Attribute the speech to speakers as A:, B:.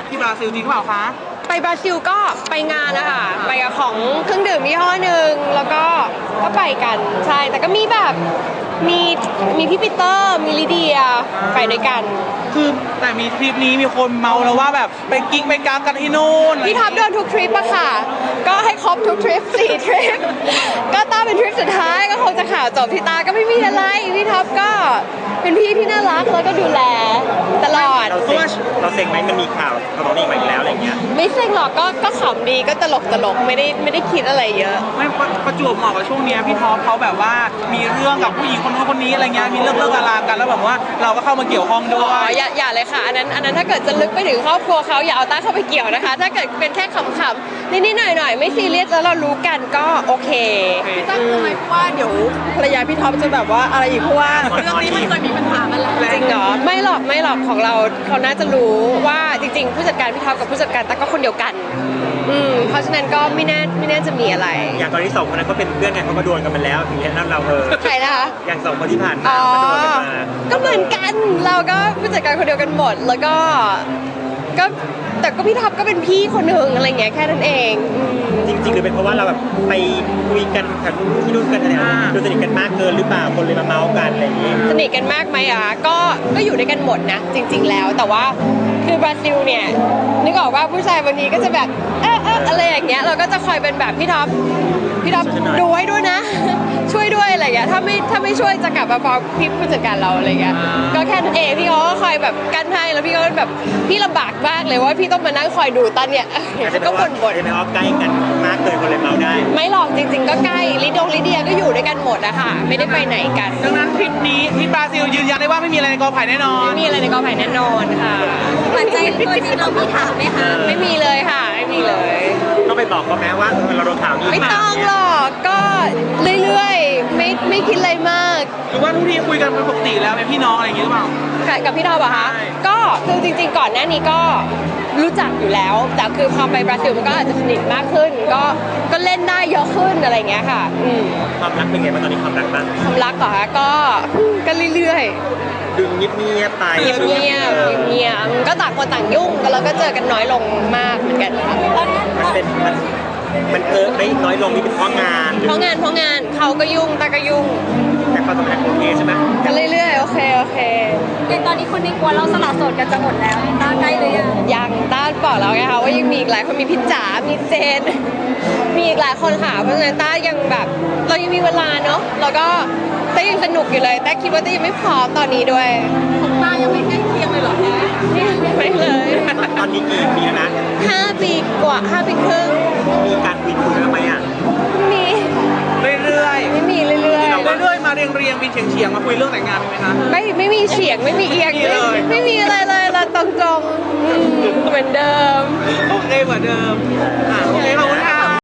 A: ที่บราซิลจริงหรือเปล่าคะ
B: ไปบราซิลก็ไปงานนะคะไปกับของเครื่องดื่มยี่ห้อหนึ่งแล้วก็ไปกันใช่แต่ก็มีแบบมีพี่ปีเตอร์มีลิเดียไปด้วยกัน
A: คือแต่มีทริปนี้มีคนเมาแล้วว่าแบบไปกิ๊กไปกางกันที่นู่น
B: พี่ท็อปเดินทุกทริปอะค่ะก็ให้ครบทุกทริป4 ทริปก็ต้าเป็นทริปสุดท้ายก็คงจะข่าวจบที่ตาก็ไม่มีอะไรพี่ท็อปก็เป็นพี่ที่น่ารักแล้วก็ดูแลตลอด
C: เราเซ็งไหมมันมีข่าวเขาบอกนี่มาอีกแล้วอะไรเงี้ย
B: ไม่เซ็งหรอกก็ขำดีก็ตลกไม่ได้คิดอะไรเยอะ
A: ไม่ประจวบเหมาะกับช่วงนี้พี่ท็อปเขาแบบว่ามีเรื่องกับผู้หญิงคนนู้นคนนี้อะไรเงี้ยมีเลิกลากันแล้วแบบว่าเราก็เข้ามาเกี่ยวข้องด้วย
B: อย่าเลยค่ะอันนั้นถ้าเกิดจะลึกไปถึงครอบครัวเขาอย่าเอาต้าเข้าไปเกี่ยวนะคะถ้าเกิดเป็นแค่ขำๆนิดๆหน่อยไม่ซีเรียสแล้วเรารู้กันก็โอเค
D: พี่ตั้งทำไมว่าเดี๋ยวภรรยาพี่ท็อปจะแบบว่าอะไรอีกเพราะว่าเรื่องนี้มันเคยมีปัญหามาแล้ว
B: จริงเหรอไม่หรอกของเราเขาน่าจะรู้ว่าจริงๆผู้จัดการพี่ท็อปกับผู้จัดการต้าก็คนเดียวกันเพราะฉะนั้นก็ไม่น่าจะมีอะไร
C: อย่างตอนที่2คนนั้นก็เป็นเพื่อนกันเขาก็โดนกันมาแล้วถึงแค่นั้นเรา
B: ใครนะคะ
C: อย่าง2คนที่ผ่านมาก็โดนกันมา
B: ก็เหมือนกันเราก็ผู้จัดการคนเดียวกันหมดแล้วก็แต่ก็พี่ท็อปก็เป็นพี่คนหนึ่งอะไรเงี้ยแค่นั้นเอง
C: จริงๆหรือเป็นเพราะว่าเราแบบไปคุยกันกับที่นู่นกันอะไรดูสนิทกันมากเกินหรือเปล่าคนเลยมาเมาส์กันอะไรอย่างงี้
B: สนิทกันมากไหมก็อยู่ด้วยกันหมดนะจริงๆแล้วแต่ว่าคือบราซิลเนี่ยนึกออกว่าผู้ชายวันนี้ก็จะแบบอะไรอย่างเงี้ยเราก็จะคอยเป็นแบบพี่ท็อปดูให้ด้วยนะช่วยด้วยอะไรอย่างเงี้ยถ้าไม่ช่วยจะกลับมาฟ้องพี่ผู้จัดการเราอะไรเงี้ยก็แค่นั้นเองพี่เขาก็คอยแบบกันให้แล้วพี่ก็แบบพี่ลำบากมากเลยว่าพี่ต้องมานั่งคอยดูตันเนี่ยก็บ่น
C: ไม่ออกใกล้กันมากเกินคนเลยเมาได้
B: ไม่หรอกจริงๆก็ใกล้ลิเดียก็อยู่ด้วยกันหมดอะค่ะไม่ได้ไปไหนกัน
A: ดังนั้นทริปนี้ที่บราซิลยืนยันได้ว่าไม่มีอะไรในกอไผ่แน่นอน
B: ไม่มีอะไรในกอไผ่แน่นอนค่ะ
D: หวานใจตัวจริงเรามีถามไหมคะ
B: ไม่มีเลยค่ะไม่มีเลย
C: ต้องไปบอกเขาแม้ว่าเราโดนข่าวนี้
B: ไม่ต้องหรอกก็เรื่อยๆไม่คิดอะไรมาก
A: หรือว่าทุกทีคุยกันเป็นปกติแล้วเป็นพี่น้องอะไรอย่างงี้หรือเปล่า
B: กับพี่ท็อปอะคะก็คือจริงๆก่อนหน้านี้ก็รู้จักอยู่แล้วแต่คือพอไปบราซิลมันก็อาจจะสนิทมากขึ้นก็เล่นได้เยอะขึ้นอะไรเงี้ยค่ะ
C: ความรักเป็นไงบ้างตอนนี้ความรักบ้าง
B: ความรักเหรอคะก็เรื่อย
C: ๆดูเงียบไป
B: เงียบก็ต่างคนต่างยุ่งกันแล้วก็เจอกันน้อยลงมากเหมือนกันค่ะ
C: มันไม่น้อยลงนี่เป็นเพราะงาน
B: เขาก็ยุ่งตาก็ยุ่ง
C: แต่ความสัมพันธ์โอเคใช่ไหม
B: ก็เรื่อยๆโอเค
D: อย่างตอนนี้คนในกลัวเราสละโสดกันจะหมดแล้วต้าใกล้เลย
B: ยังต้าบอกแล้วไงคะว่ายังมีอีกหลายคนมีพิจามีเจนมีอีกหลายคนค่ะเพราะฉะนั้นต้ายังแบบเรายังมีเวลาเนาะแล้วก็ต้ายังสนุกอยู่เลยแต่คิดว่าต้ายังไม่พร้อมตอนนี้ด้วย
D: ของต้ายังไม่ใกล้เคียงเลยหรอ
B: ไม่เลย
C: ตอนนี้กี่ปีแล้วนะ
B: 5 ปีกว่า5 ปีครึ่ง
C: มีการคุยกันไหมอ่ะ
B: มี
A: เรื่อย
B: ไม่มีเรื่
A: อยมาเรียงบินเฉียงมาคุยเรื่องแต่งงานไหมคะ
B: ไม่มีเฉียงไม่มีเอียงไม่มีอะไรเลยเราตรงๆเหมือนเดิม
A: โอเคเหมือนเดิมโอเคขอบคุณ